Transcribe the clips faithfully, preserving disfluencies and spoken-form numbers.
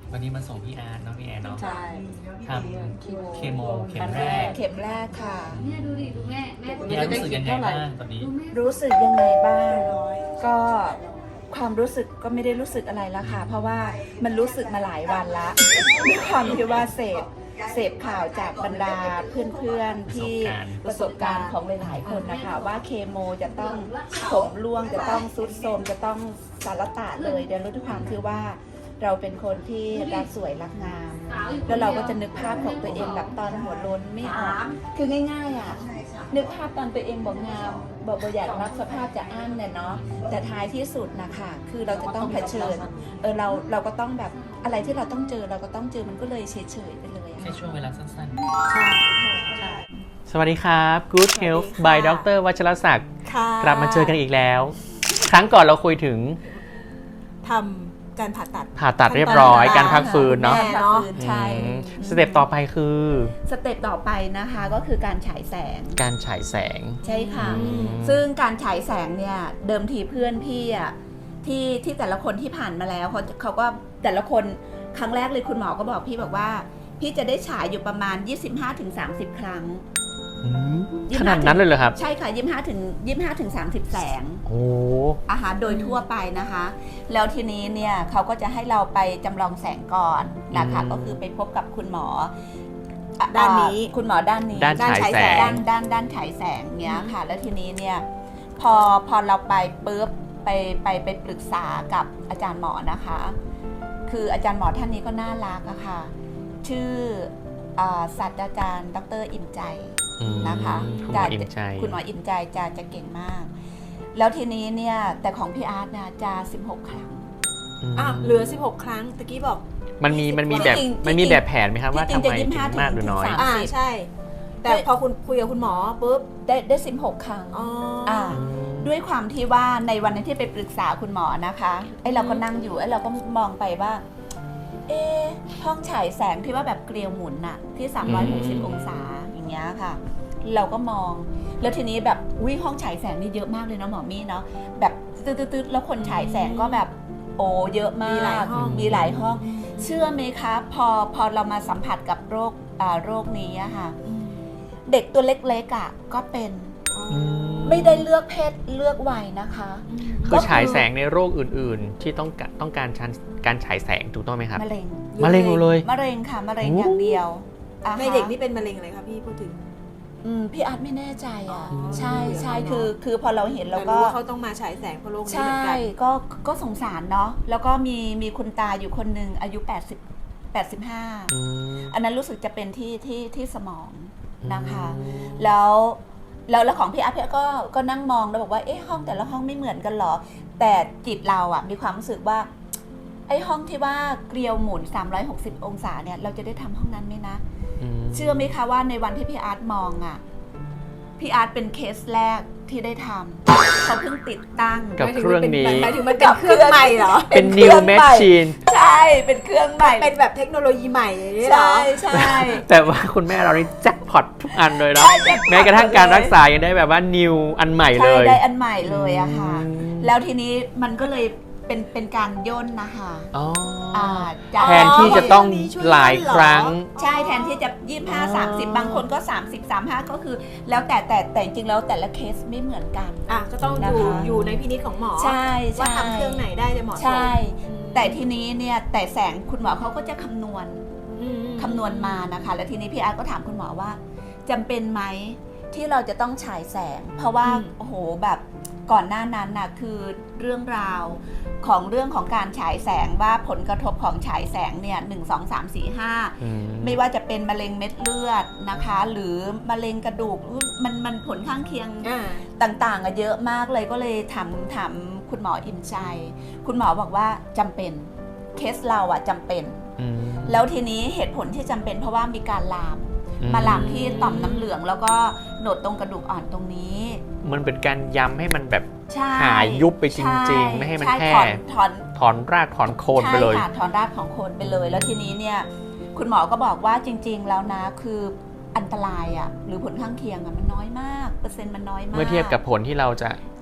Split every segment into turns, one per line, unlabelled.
วันนี้มาส่งพี่อาร์ตเนาะพี่แอนเนาะ
ใช่
ทำเคโมเข็มแรก
เข็มแรกค่ะ
เนี่ยดูดิดูแม่แม่
พี่อาร์ตรู้สึกยังไงบ้างตอนนี้
ดูแม่
รู้สึกยังไงบ้าง ก็ความรู้สึกก็ไม่ได้รู้สึกอะไรแล้วค่ะ เพราะว่ามันรู้สึกมาหลายวันละด้วยความที่ว่าเสพเสพข่าวจากบรรดาเพื่อนๆที่ประสบการณ์ของหลายๆคนนะคะว่าเคมีจะต้องผมร่วงจะต้องซุดโทรมจะต้องสารตะเลยเดี๋ยวรู้ด้วยความคือว่าเราเป็นคนที่รักสวยรักงาม แล้วเราก็จะนึกภาพของตัวเองแบบตอนหัวโล้นไม่ออกคือง่ายๆอ่ะนึกภาพตอนตัวเองบอกงามบอกบอกอยากรับสภาพจะอั้นเนี่ยเนาะแต่ท้ายที่สุดนะคะคือเราจะต้องเผชิญเออเราเราก็ต้องแบบอะไรที่เราต้องเจอเราก็ต้องเจอมันก็เลยเฉยๆไปเลยอะ
แค่ช่วงเวลาสั้น
ใช่ใช่
ๆ สวัสดีครับ Good Health by ดร.วัชรศักดิ์
ค่ะ
กลับมาเจอกันอีกแล้ว ครั้งก่อนเราคุยถึง
ทำการผ่าตัด
ผ่าตัดเรียบร้อยการพักฟื้นเนาะ
แม่เนาะ
ใช่
อืมสเต็ปต่อไปคือ
สเต็ปต่อไปนะคะก็คือการฉายแสง
การฉายแสง
ใช่ค่ะ
อืม
ซึ่งการฉายแสงเนี่ยเดิมทีเพื่อนพี่อ่ะที่ที่แต่ละคนที่ผ่านมาแล้วเขาเขาก็แต่ละคนครั้งแรกเลยคุณหมอก็บอกพี่บอกว่า พี่จะได้ฉายอยู่ประมาณ ยี่สิบห้าถึงสามสิบ ครั้ง
อืมขนาดนั้นเลยเหรอครับ
ใช่ค่ะยี่สิบห้าถึงยี่สิบห้าถึงสามสิบแสง
โอ้
อาหารโดยทั่วไปนะคะ แล้วทีนี้เนี่ยเขาก็จะให้เราไปจำลองแสงก่อนนะคะก็คือไปพบกับคุณหมออ่ะ
ด้านนี้
คุณหมอด้านนี้
ด้านฉายแสง
ด้านด้านด้านฉายแสงเนี้ยค่ะ แล้วทีนี้เนี่ยพอพอเราไปปุ๊บไปไปไปปรึกษากับอาจารย์หมอนะคะ คืออาจารย์หมอท่านนี้ก็น่ารักอะค่ะ ชื่ออ่าศาสตราจารย์ดรอิ่มใจ
อืม
นะคะ
คุณหมออิ่มใจ
คุณหมออิ่มใจจะจะเก่งมาก แล้วทีนี้เนี่ยแต่ของพี่อาร์ตนะจะสิบหกครั้ง
ม
อ่ะเหลือสิบหกครั้งตะกี้บอก
มันมีมันมีแบบ
จริงๆ
มันมีแบบแผนไหมครับว่า
จริ
ทำ
งๆจะ
ไม
ยี่สิ
ถึ
บห้าง
มากหรือน้อย
ถึงสาม
อ่าใช่ แต่พอคุณคุยกับคุณหมอปุ๊บ
ได้ได้สิบหกครั้ง
อ๋อ
อ่า ด้วยความที่ว่าในวันนั้นที่ไปปรึกษาคุณหมอนะคะไอ้เราก็นั่งอยู่ไอ้เราก็มองไปว่า เอ๊ะห้องฉายแสงที่ว่าแบบเกลียวหมุนน่ะที่สามร้อยหกสิบ
อืม
องศาอย่างเงี้ยค่ะ เราก็มอง แล้วทีนี้แบบวิห้องฉายแสงนี่เยอะมากเลยเนาะหมอมี่เนาะแบบตืดๆๆแล้วคนฉายแสงก็แบบโอ้เยอะมาก
มีหลายห้อง
มีหลายห้อง เชื่อไหมคะพอพอเรามาสัมผัสกับโรคอ่าโรคนี้อะค่ะ
อืม
เด็กตัวเล็กๆอะก็เป็น
อืม
ไม่ได้เลือกเพศเลือกวัยนะคะ
คือฉายแสงในโรคอื่น ๆ ที่ต้องการต้องการชันการฉายแสงถูกต้องไหมครับ
มะเร็ง
มะเร็งหมดเลย
มะเร็งค่ะมะเร็ง
โอ้
อย่างเดียวอ่าฮะ
ในเด็กนี่เป็นมะเร็งอะไรคะพี่พูดถึง
อืมพี่อาร์ตไม่แน่ใจอ่ะ
อ๋อ
ใช่ใช่
เนอะ
คือคือพอเราเห็นเรา
แต่
ก็
รู้ว่าเขาต้องมาฉายแสงเพราะโรคนี้เห
ใช่
มือนกัน
ก็ก็สงสารเนาะแล้วก็มีมีคุณตาอยู่คนหนึ่งอายุแปดสิบ แปดสิบห้า
อืม
อันนั้นรู้สึกจะเป็นที่ที่ที่สมองนะคะ
อืม
แล้วแล้วแล้วของพี่อาร์ตพี่อาร์ตก็ก็นั่งมองแล้วบอกว่าเอ๊ะห้องแต่ละห้องไม่เหมือนกันเหรอ แต่จิตเราอะมีความรู้สึกว่าไอ้ห้องที่ว่าเกลียวหมุนสามร้อยหกสิบองศาเนี่ยเราจะได้ทำห้องนั้นไหมนะ
อืม
เชื่อไหมคะว่าในวันที่พี่อาร์ตมองอ่ะ พี่อาร์ตเป็นเคสแรกที่ได้ทำเขาเพิ่งติดตั้ง
กับเครื่องนี้
หมายถึงมันเป็นเครื่องใหม่เหรอ
เป็น
เค
new
รื่องใหม่
machine
ใช่ เป็นเครื่องใหม่
เป็นแบบเทคโนโลยีใหม่อย่างนี้เหรอ
ใช่ใช่
แต่ว่าคุณแม่เรานี่แจ็คพอตทุกอันเลยเนาะ
ใช่แจ็คพอต
แม้กระทั่งการรักษายังได้แบบว่า new อันใหม่เล
ใช่
ย
ได้อันใหม่เลยอะค่ะ
อืม
แล้วทีนี้มันก็เลยเป็นเป็นการย่นนะคะ
อ๋ออ
อ่าจาก
แทนที่จะต้องหลายครั้ง
ใช่แทนที่จะยี่สิบห้า
อ๋อ
สามสิบบางคนก็สามสิบ สามสิบห้าก็คือ แล้วแต่แต่แต่จริงๆแล้วแต่ละเคสไม่เหมือนกัน
อ่ะก็ต้อง
นะ
อยู่
คะ
อยู่ในพินิจของหมอ
ใช่
ว่า
ใช่
ทำเครื่องไหนได้จะเหมาะสม
ใช่
อืม
แต่ทีนี้เนี่ยแต่แสงคุณหมอเขาก็จะคำนวณ
อืม
คำนวณมานะคะ แล้วทีนี้พี่อาร์ตก็ถามคุณหมอว่าจำเป็นไหมที่เราจะต้องฉายแสง เพราะว่าโอ้โหแบบก่อนหน้านั้นน่ะคือเรื่องราวของเรื่องของการฉายแสงว่าผลกระทบของฉายแสงเนี่ยหนึ่งสองสามสี่ห้า
อืม
ไม่ว่าจะเป็นมะเร็งเม็ดเลือดนะคะ หรือมะเร็งกระดูกมันมันผลข้างเคียง
อ่า
ต่างๆอะเยอะมากเลยก็เลยถามถามคุณหมออิ่มใจ คุณหมอบอกว่าจำเป็นเคสเราอะจำเป็น
อืม
แล้วทีนี้เหตุผลที่จำเป็นเพราะว่ามีการลาม
อืม
มาลามที่ต่อมน้ำเหลืองแล้วก็โหนดตรงกระดูกอ่อนตรงนี้
มันเป็นการย้ำให้มันแบบ
ใช่
หายยุบไปจ
ช่
ริง ๆ ไม่ให้มัน
ช่
แพร่
ถอนถอน
ถอนรากถอนโคนไปเลย
ใช่ค่ะถอนรากของโคนไปเลย แล้วทีนี้เนี่ยคุณหมอก็บอกว่าจริง ๆ แล้วนะคืออันตรายอะหรือผลข้างเคียงอะมันน้อยมากเปอร์เซ็นต์มันน้อยมาก
เมื่อเทียบกับผลที่เราจะ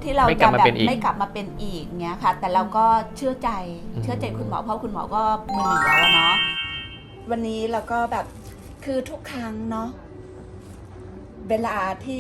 ที่เรา
ไม่กลั
จะ
บมา
แบบ
เป็นอีก
ไม่กลับมาเป็นอีกเงี้ยค่ะ แต่เราก็เชื่อใจ
อืม
เชื่อใจคุณหมอเพราะคุณหมอก็มือหนึ่งแล้วอะเนาะวันนี้เราก็แบบคือทุกครั้งเนาะเวลาที่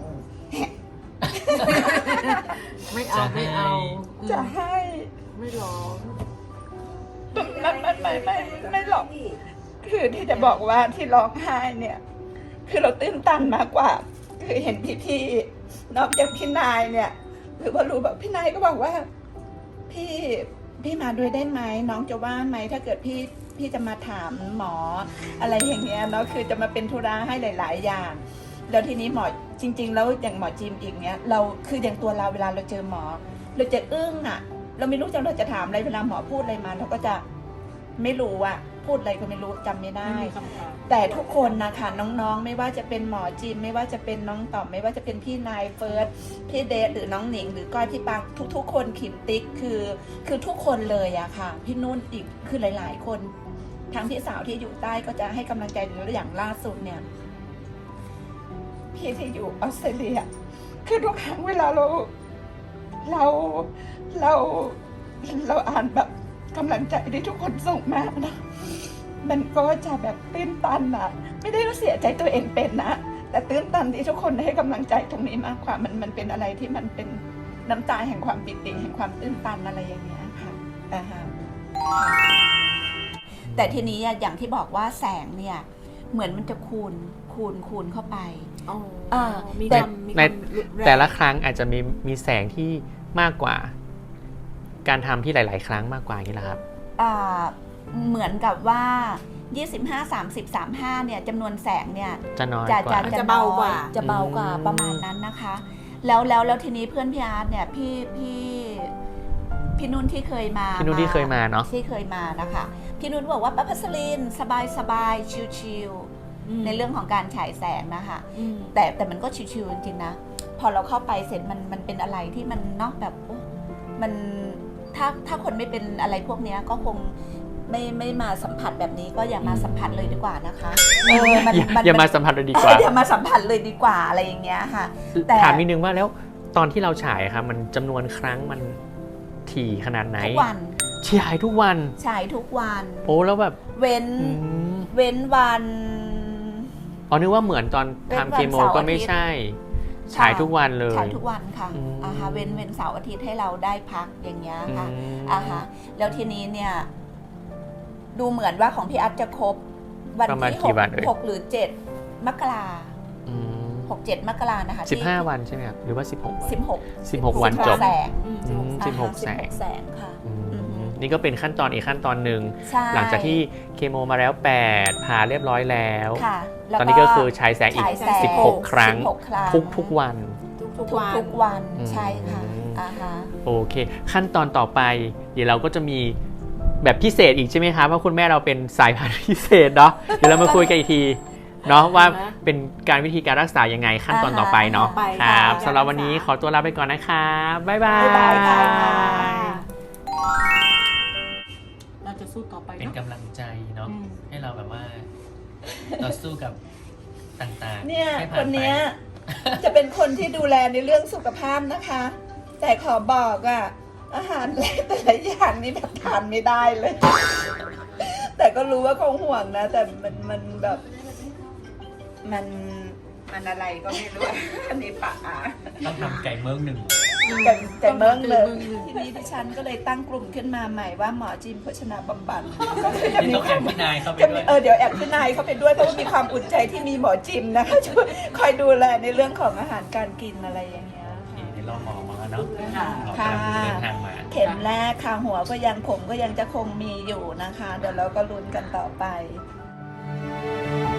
ไม่เอาไม่เอา
จะให้
ไม่ร้อง
ไม่ไม่ไม่ไม่ไม่หรอกคือที่จะบอกว่าที่ร้องไห้เนี่ย คือเราตื้นตันมากกว่า คือเห็นพี่ๆนอกจากพี่นายเนี่ยคือพอรู้แบบพี่นายก็บอกว่า พี่พี่มาด้วยได้ไหมน้องจะว่างไหมถ้าเกิดพี่พี่จะมาถามหมอ อะไรอย่างเงี้ยเนาะคือจะมาเป็นธุระให้หลาย ๆ อย่าง แล้วทีนี้หมอจริง ๆ แล้วอย่างหมอจิมอีกเนี้ยเราคืออย่างตัวเราเวลาเราเจอหมอ เราจะอึ้งอ่ะ เราไม่รู้จะเราจะถามอะไรเวลาหมอพูดอะไรมาเราก็จะไม่รู้อ่ะพูดอะไรก็ไม่รู้จำไม่ได้ แต่ทุกคนนะคะน้องๆ ไม่ว่าจะเป็นหมอจิมไม่ว่าจะเป็นน้องต่อมไม่ว่าจะเป็นพี่นายเฟิร์สพี่เดชหรือน้องหนิง หรือก้อยพี่ปังทุกๆ คนขิมติ๊กคือคือทุกคนเลยอะค่ะ พี่นุ่นอีกคือหลายๆ คนทั้งพี่สาวที่อยู่ใต้ก็จะให้กำลังใจหรืออย่างล่าสุดเนี่ย พี่ที่อยู่ออสเตรเลียคือทุกครั้งเวลาเราเราเราเราอ่านแบบกำลังใจที่ทุกคนส่งมานะมันก็จะแบบตื้นตันอะไม่ได้รู้เสียใจตัวเองเป็นนะแต่ตื้นตันที่ทุกคนให้กำลังใจตรงนี้มากกว่ามันมันเป็นอะไรที่มันเป็นน้ำตาแห่งความปิติแห่งความตื้นตันอะไรอย่างเงี้ยค่ะอ่าฮะแต่ทีนี้อย่างที่บอกว่าแสงเนี่ยเหมือนมันจะคูณคูณคูณเข้าไป
อ๋อ
เออ
มี
แต่
ความมีค
ใน
วามรุนรง
แต่ละครั้งอาจจะมีมีแสงที่มากกว่า การทำที่หลาย ๆ ครั้งมากกว่าอย่างนี้แหละครับ
อ่าเหมือนกับว่ายี่สิบห้า สามสิบ สามสิบห้าเนี่ยจำนวนแสงเนี่ย
จะน้อย
จะ
ก
จะ
ว่า
จะ
จะเบากว่า
น้อยจะเบากว่า
อืม
ประมาณนั้นนะคะ แล้วแล้วแล้วทีนี้เพื่อนพี่อาร์ตเนี่ยพี่พี่พี่นุ่นที่เคยมา
พี่นุ่นที่เคยมาเนาะ
ที่เคยมานะคะพี่นุ่นบอกว่าป้าพัสลินสบายสบายชิล
อืม
ๆในเรื่องของการฉายแสงนะคะ
อืม
แต่แต่มันก็ชิวๆจริงๆนะพอเราเข้าไปเสร็จมันมันเป็นอะไรที่มันเนอกแบบโอ้มันถ้าถ้าคนไม่เป็นอะไรพวกเนี้ยก็คงไม่ไม่มาสัมผัสแบบนี้ก็อย่ามาสัมผัสเลยดีกว่านะคะเออมัน
อย่า
มัน
อย่ามาสัมผัสเลยดีกว่า
อย่ามาสัมผัสเลยดีกว่าอะไรอย่างเงี้ยค่ะ แต่
ถามนิดนึงว่าแล้วตอนที่เราฉายครับมันจำนวนครั้งมันถี่ขนาดไหน
ทุกวัน
ฉายทุกวัน
ฉายทุกวัน
โอ้แล้วแบบ
เว้น
อืม
เว้นวัน
อ๋อนึกว่าเหมือนตอน
เว้นวัน
ทำเคโม
เสาร์
ก็ไม่
อาทิตย์
ใช่ฉายทุกวันเลย
ฉายทุกวันค่ะ
อืม
อ่าฮะเว้นเว้นเสาร์อาทิตย์ให้เราได้พักอย่างเงี้ยค่ะ
อืม
อ่าฮะแล้วทีนี้เนี่ยดูเหมือนว่าของพี่อัพจะครบวัน
ประมาณ
ที่ห
กี่
ก
วันเอ่ย
หกหรือเจ็ดมกรา
อืม
หกเจ็ดมกรานะคะ
สิบห้าวันใช่ไหมครับหรือว่าสิบหกวัน
สิบหก
สิบหกวันจบ
แสง
อืม
อืม สิบหก
อ่าฮะ
แสง
สิบหกแสงค่ะ
อืม
อือฮึ
นี่ก็เป็นขั้นตอนอีกขั้นตอนหนึ่ง
ใช่
หลังจากที่เคโมมาแล้วแปดผ่าเรียบร้อยแล้ว
ค่ะแล้ว
ตอนนี้ก็คือฉายแสงอีก
ฉายแสง
สิบหกครั้ง
สิบหกครั้ง
ทุกทุกวัน
ทุก
ทุ
ทุ
ก
กวัน
ทุกวัน
อืม
ใช่ค่ะอ่าฮะ
โอเค ขั้นตอนต่อไป เดี๋ยวเราก็จะมีแบบพิเศษอีกใช่ไหมครับว่าคุณแม่เราเป็นสายพันธุ์พิเศษเนาะเดี๋ยวเรามาคุยกันอีกทีเนาะว่าเป็นการวิธีการรักษายังไงขั้นตอนต่อไปเนาะ
ต่อไป
ค
ค่ะ
รับ
การ
สำหรับวันนี้
รักษา
ขอตัวลาไปก่อนนะครับบ๊ายบาย
บ๊ายบายค่ะ
เราจะสู้ต่อไป
เป็น
เนาะ
กำลังใจเนาะ
อืม
ให้เราแบบว่าต่อสู้กับต่างๆ
เนี่ย
ให้
ค
ผ่าน
น
ไป
เนี้ยจะเป็นคนที่ดูแลในเรื่องสุขภาพนะคะ แต่ขอบอกอะอาหารแต่ละอย่างนี่แบบทานไม่ได้เลย แต่ก็รู้ว่าคงห่วงนะ แต่มันมันแบบมันมันอะไรก็ไม่รู้ อันนี้ปะอ่ะ
ต้องทำไก่เมืองหนึ่ง
แต่แต่เมืองเลย
ต้องทำ
ทีนี้ดิฉันก็เลยตั้งกลุ่มขึ้นมาใหม่ว่าหมอจิมโภชนาบำบัด
นี่ต้องแอบพี่นายเข้าไป
จะ
ด้
มี
วย
เออเดี๋ยวแอบพี่นายเข้าไปด้วยเพราะว่ามีความอุ่นใจที่มีหมอจิมนะคะช่วยคอยดูแลในเรื่องของอาหารการกินอะไรอย่างเงี้ย
โอเคเดี๋ยวเราหมอมาแล้วเนาะ
ค่ะ
เรากำลังเดินทางมา
เข็มแรกค่ะหัวก็ยังผมก็ยังจะคงมีอยู่นะคะ เดี๋ยวเราก็ลุ้นกันต่อไป